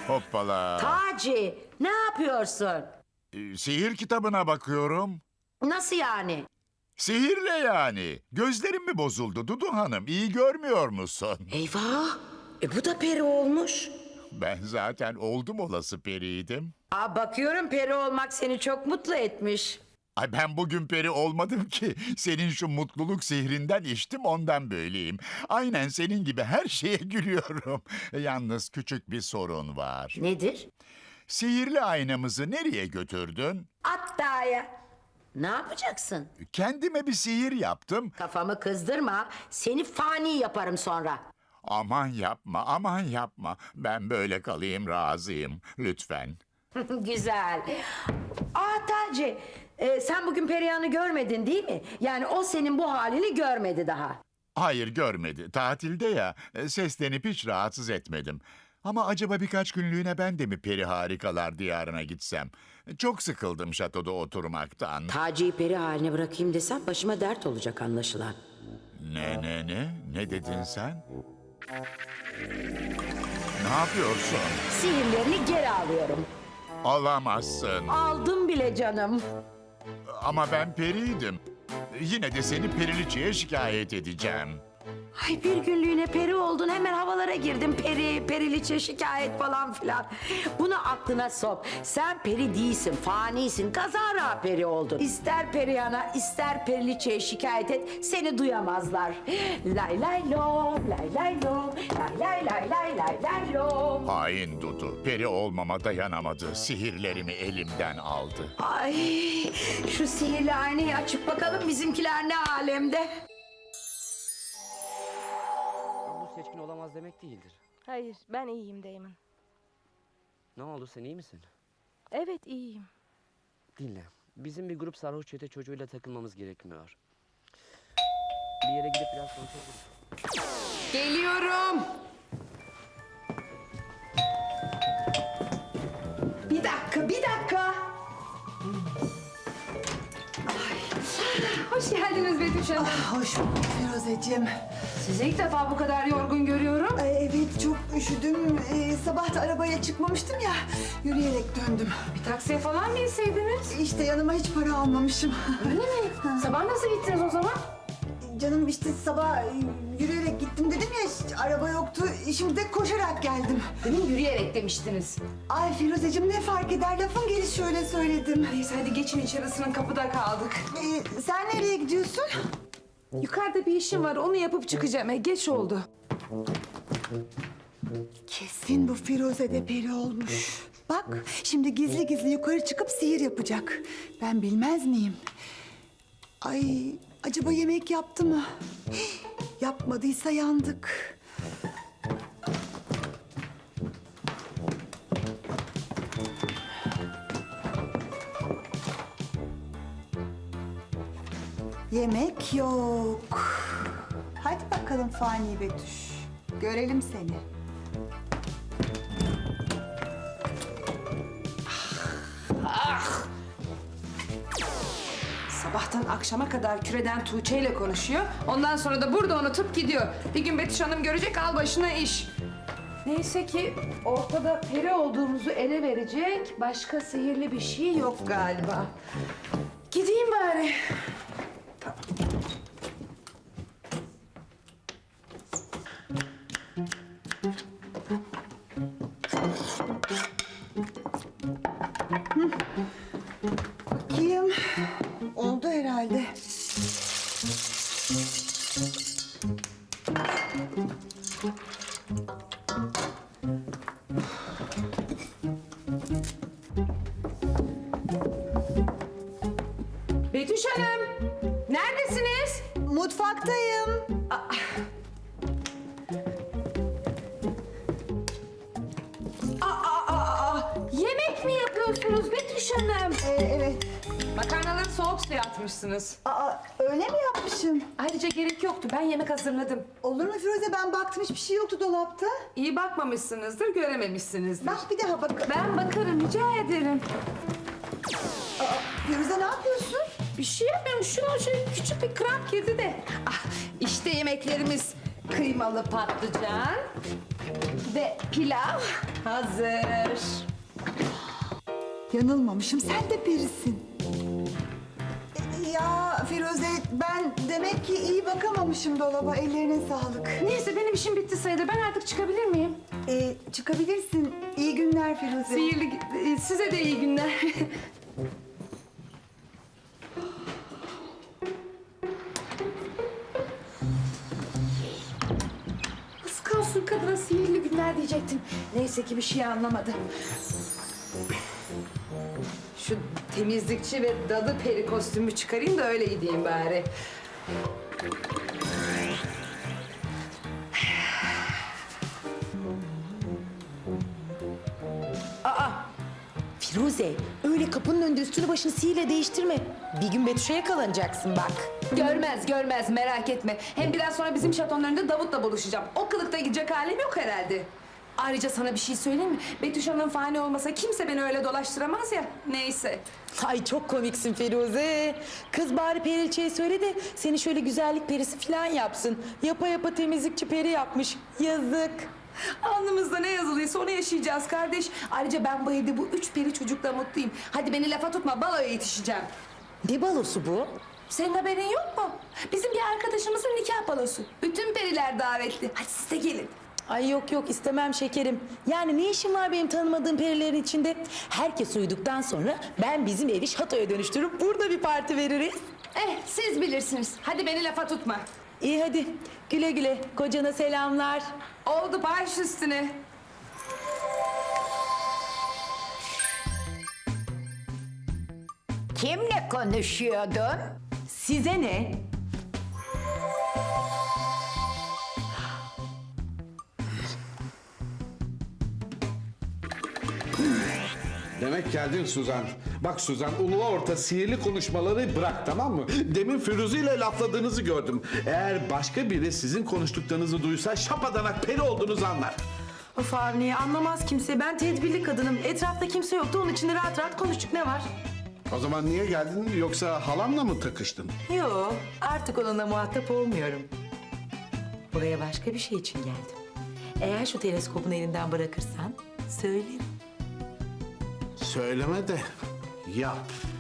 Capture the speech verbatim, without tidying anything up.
Hoppala. Taci, ne yapıyorsun? Ee, Sihir kitabına bakıyorum. Nasıl yani? Sihirle yani. Gözlerim mi bozuldu Dudu Hanım? İyi görmüyor musun? Eyvah, e bu da peri olmuş. Ben zaten oldum olası periydim. Aa, bakıyorum peri olmak seni çok mutlu etmiş. Ay ben bugün peri olmadım ki. Senin şu mutluluk sihrinden içtim ondan böyleyim. Aynen senin gibi her şeye gülüyorum. Yalnız küçük bir sorun var. Nedir? Sihirli aynamızı nereye götürdün? Hatta'ya. Ne yapacaksın? Kendime bir sihir yaptım. Kafamı kızdırma, seni fani yaparım sonra. Aman yapma, aman yapma. Ben böyle kalayım razıyım. Lütfen. Güzel. Aa Taci, e, sen bugün Perihan'ı görmedin değil mi? Yani o senin bu halini görmedi daha. Hayır görmedi. Tatilde ya. e, Seslenip hiç rahatsız etmedim. Ama acaba birkaç günlüğüne ben de mi peri harikalar diyarına gitsem? Çok sıkıldım şatoda oturmaktan. Taci'yi peri haline bırakayım desem başıma dert olacak anlaşılan. Ne ne ne? Ne dedin sen? Ne yapıyorsun? Sihirlerini geri alıyorum. Alamazsın. Aldım bile canım. Ama ben periydim. Yine de seni periliçeye şikayet edeceğim. Ay bir günlüğüne peri oldun hemen havalara girdin. Peri, periliçe şikayet falan filan. Bunu aklına sok. Sen peri değilsin, fanisin. Kazara peri oldun. İster Perihan'a ister periliçeye şikayet et. Seni duyamazlar. Lay lay lom, lay lay lom, lay lay lay lay lay lay lom. Hain Dudu. Peri olmama dayanamadı. Sihirlerimi elimden aldı. Ay şu sihirli aynayı açıp bakalım bizimkiler ne alemde. Bu seçkin olamaz demek değildir. Hayır, ben iyiyim Damon. Ne oldu, sen iyi misin? Evet, iyiyim. Dinle, bizim bir grup sarhoş çete çocuğuyla takılmamız gerekmiyor. Bir yere gidip biraz konuşabiliriz. Geliyorum. Bir dakika, bir dakika. Hoş geldiniz Betüş Hanım. Hoş bulduk Firuzeciğim. Sizi ilk defa bu kadar yorgun görüyorum. Ay, evet çok üşüdüm. Ee, sabah da arabaya çıkmamıştım ya. Yürüyerek döndüm. Bir taksiye falan mı inseydiniz? İşte yanıma hiç para almamışım. Öyle mi? Sabah nasıl gittiniz o zaman? Canım işte sabah e, yürüyerek gittim dedim ya. hiç araba yoktu. Şimdi de koşarak geldim. Demin yürüyerek demiştiniz. Ay Firuzeciğim ne fark eder? Lafın gelişi şöyle söyledim. Neyse hadi geçin içerisinin kapıda kaldık. Ee, sen nereye gidiyorsun? Yukarıda bir işim var onu yapıp çıkacağım. E, geç oldu. Kesin bu Firuze de peri olmuş. Bak şimdi gizli gizli yukarı çıkıp sihir yapacak. Ben bilmez miyim? Ay acaba yemek yaptı mı? Hii, yapmadıysa yandık. Yemek yok. Hadi bakalım Fani Betüş. Görelim seni. Sabahtan akşama kadar küreden Tuğçe ile konuşuyor. Ondan sonra da burada unutup gidiyor. Bir gün Betüş Hanım görecek al başına iş. Neyse ki ortada peri olduğumuzu ele verecek başka sihirli bir şey yok galiba. Gideyim bari. Bakayım. Oldu herhalde. Betüş Hanım, neredesiniz? Mutfaktayım. Aa, aa, aa, yemek mi yapıyorsunuz Betüş Hanım? Ee, evet. Makarnaları soğuk suya atmışsınız. Aa, öyle mi yapmışım? Ayrıca gerek yoktu, ben yemek hazırladım. Olur mu Firuze? Ben baktım hiçbir şey yoktu dolapta. İyi bakmamışsınızdır, görememişsinizdir. Bak bir daha bak. Ben bakarım, rica ederim. Firuze ne yapıyorsun? Bir şey yapmıyorum, şuna şöyle küçük bir kramp girdi de. Ah, işte yemeklerimiz. Kıymalı patlıcan ve pilav hazır. Yanılmamışım, sen de perisin. E, Ya Firuze, ben demek ki iyi bakamamışım dolaba. Ellerine sağlık. Neyse benim işim bitti sayılır. Ben artık çıkabilir miyim? E, çıkabilirsin. İyi günler Firuze. Sihirli, e, size de iyi günler. Az kalsın kadına sihirli günler diyecektim. Neyse ki bir şey anlamadı. Şu temizlikçi ve dadı peri kostümü çıkarayım da öyle gideyim bari. Firuze, öyle kapının önünde üstünü başını sihirle değiştirme. Bir gün Betüş'e yakalanacaksın bak. Görmez görmez merak etme. Hem biraz sonra bizim şatonun önünde Davut'la buluşacağım. O kılıkta gidecek halim yok herhalde. Ayrıca sana bir şey söyleyeyim mi? Betüş Hanım fani olmasa kimse beni öyle dolaştıramaz ya. Neyse. Ay çok komiksin Firuze. Kız bari Periliçe'ye söyle de seni şöyle güzellik perisi falan yapsın. Yapa yapa temizlikçi peri yapmış. Yazık. Alnımızda ne yazılıysa onu yaşayacağız kardeş. Ayrıca ben bu evde bu üç peri çocukla mutluyum. Hadi beni lafa tutma, baloya yetişeceğim. Ne balosu bu? Senin haberin yok mu? Bizim bir arkadaşımızın nikah balosu. Bütün periler davetli. Hadi siz de gelin. Ay yok yok istemem şekerim. Yani ne işim var benim tanımadığım perilerin içinde? Herkes uyuduktan sonra ben bizim evi şatoya dönüştürüp burada bir parti veririz. Eh siz bilirsiniz. Hadi beni lafa tutma. İyi hadi güle güle kocana selamlar. Oldu baş üstüne. Kimle konuşuyordun? Size ne? Demek geldin Suzan. Bak Suzan, ulu orta sihirli konuşmaları bırak, tamam mı? Demin Firuze ile lafladığınızı gördüm. Eğer başka biri sizin konuştuklarınızı duysa şapadanak peri olduğunuzu anlar. Of Avni, anlamaz kimse. Ben tedbirli kadınım. Etrafta kimse yoktu. Onun için de rahat rahat konuştuk. Ne var? O zaman niye geldin, yoksa halamla mı takıştın? Yo, artık onunla muhatap olmuyorum. Buraya başka bir şey için geldim. Eğer şu teleskopun elinden bırakırsan söylerim. Söyleme de yap.